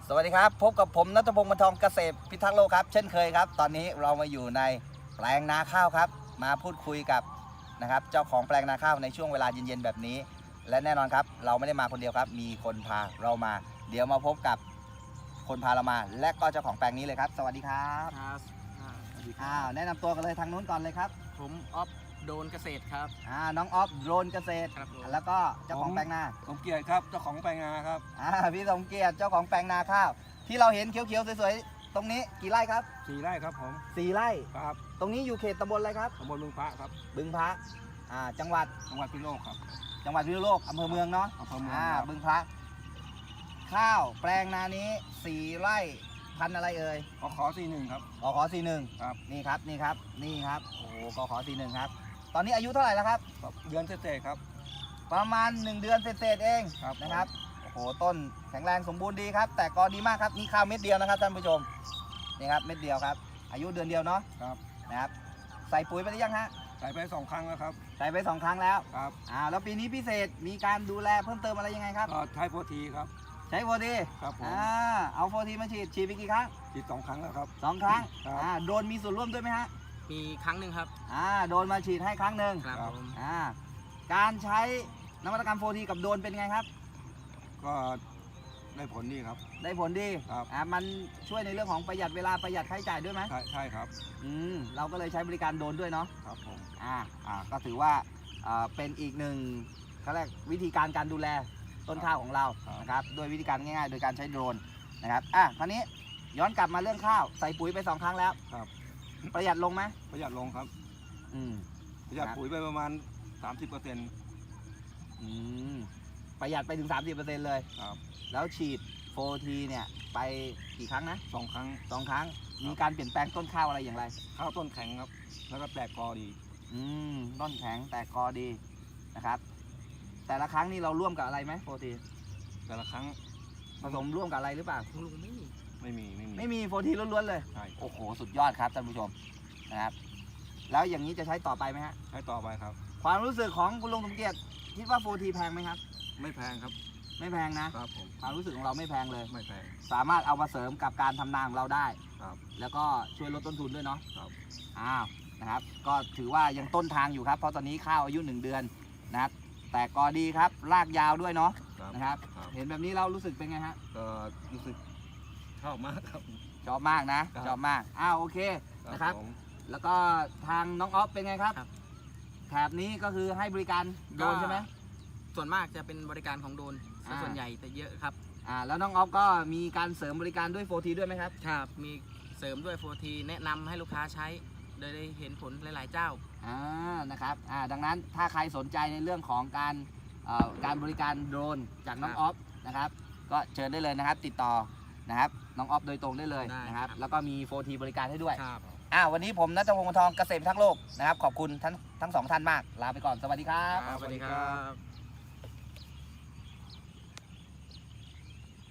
สวัสดีครับพบกับผมณัฐพงศ์ บรรทองเกษตรพิทักษ์โลกครับเช่นเคยครับตอนนี้เรามาอยู่ในแปลงนาข้าวครับมาพูดคุยกับนะครับเจ้าของแปลงนาข้าวในช่วงเวลาเย็นๆแบบนี้และแน่นอนครับเราไม่ได้มาคนเดียวครับมีคนพาเรามาเดี๋ยวมาพบกับคนพาเรามาและก็เจ้าของแปลงนี้เลยครับสวัสดีครับครับสวัสดีครับแนะนำตัวกันเลยทางนู้นก่อนเลยครับผมออฟโดนเกษตรครับน้องออฟโดรนเกษตรครับผมแล้วก็เจ้าของแปลงนาสมเกียรติครับเจ้าของแปลงนาครับพี่สมเกียรติเจ้าของแปลงนาข้าวที่เราเห็นเขียวๆสวยๆตรงนี้กี่ไร่ครับ 4 ไร่ครับผม 4 ไร่ครับตรงนี้อยู่เขตตำบลอะไรครับตำบลบึงพระครับบึงพระจังหวัดจังหวัดพิษณุโลกครับจังหวัดพิษณุโลกอำเภอเมืองเนาะอำเภอเมืองครับบึงพระข้าวแปลงนานี้4 ไร่พันธุ์อะไรเอ่ยขอ41ครับกขอ41 ครับนี่ครับนี่ครับนี่ครับโอ้โหกขอ41ครับตอนนี้อายุเท่าไหร่แล้วครับเดือนเศษๆครับประมาณ1 เดือนเศษๆเองครับนะครับโอ้โหต้นแข็งแรงสมบูรณ์ดีครับแต่ก็ดีมากครับนี่ข้าวเม็ดเดียวนะครับท่านผู้ชมนี่ครับเม็ดเดียวครับอายุเดือนเดียวเนาะครับนะครับใส่ปุ๋ยไปหรือยังฮะใส่ไป2 ครั้งแล้วครับใส่ไป2 ครั้งแล้วครับแล้วปีนี้พิเศษมีการดูแลเพิ่มเติมอะไรยังไงครับก็ใช้โฟทีครับใช้โฟทีครับผมเอาโฟทีมาฉีดไปกี่ครั้งฉีด2 ครั้งแล้วครับ 2 ครั้งครับโดนมีส่วนร่วมด้วยไหมฮะมีครั้งหนึ่งครับโดนมาฉีดให้ครั้งหนึ่งครับครับผมการใช้นวัตกรรมโฟทีกับโดนเป็นไงครับก็ได้ผลดีครับได้ผลดีครับมันช่วยในเรื่องของประหยัดเวลาประหยัดค่าใช้จ่ายด้วยไหมใช่ครับเราก็เลยใช้บริการโดนด้วยเนาะครับผมก็ถือว่าเป็นอีกหนึ่งเขาเรียกวิธีการดูแลต้นข้าวของเรานะครับโดยวิธีการง่ายๆ โดยการใช้โดรนนะครับคราวนี้ย้อนกลับมาเรื่องข้าวใส่ปุ๋ยไป2 ครั้งแล้วครับประหยัดลงไหมประหยัดลงครับอืมประหยัดครับปุ๋ยไปประมาณ 30% อืมประหยัดไปถึง 30%เลยครับแล้วฉีดโฟทีเนี่ยไปกี่ครั้งนะ 2 ครั้ง 2 ครั้งมีการเปลี่ยนแปลงต้นข้าวอะไรอย่างไรข้าวต้นแข็งครับ แล้วก็แตกกอดีต้นแข็งแต่กอดีนะครับ แต่ละครั้งนี่เราร่วมกับอะไรไหมโฟทีแต่ละครั้งผสมร่วมกับอะไรหรือเปล่าลุงไม่มีไม่มีไม่มีโฟทีล้วนๆเลยใช่โอ้โหสุดยอดครับท่านผู้ชมนะครับแล้วอย่างนี้จะใช้ต่อไปไหมฮะใช้ต่อไปครับความรู้สึกของคุณลุงสมเกียรติคิดว่าโฟทีแพงไหมครับไม่แพงครับไม่แพงนะครับผมความรู้สึกของเราไม่แพงเลยไม่แพงสามารถเอามาเสริมกับการทำนาของเราได้ครับแล้วก็ช่วยลดต้นทุนด้วยเนาะครับนะครับก็ถือว่ายังต้นทางอยู่ครับเพราะตอนนี้ข้าวอายุ1 เดือนนะครับแต่ก็ดีครับรากยาวด้วยเนาะ นะครับ เห็นแบบนี้เรารู้สึกเป็นไงฮะก็รู้สึกชอบมากครับชอบมากนะครับ ชอบมากโอเคนะครับผมแล้วก็ทางน้องออฟเป็นไงครับครับแถบนี้ก็คือให้บริการโดรนใช่ไหมส่วนมากจะเป็นบริการของโดนซะส่วนใหญ่แต่เยอะครับแล้วน้องออฟก็มีการเสริมบริการด้วยโฟทีด้วยไหมครับครับมีเสริมด้วยโฟทีแนะนำให้ลูกค้าใช้โดยได้เห็นผลหลายๆเจ้านะครับดังนั้นถ้าใครสนใจในเรื่องของการบริการโดรนจากน้องครับออฟนะครับก็เชิญได้เลยนะครับติดต่อนะครับน้องออฟโดยตรงได้เลยได้นะครับครับแล้วก็มีโฟทีบริการให้ด้วยครับวันนี้ผมณัฐพงศ์ บรรทองเกษตรพิทักษ์โลกนะครับขอบคุณทั้ง 2 ท่านมากลาไปก่อนสวัสดีครับสวัสดีครับ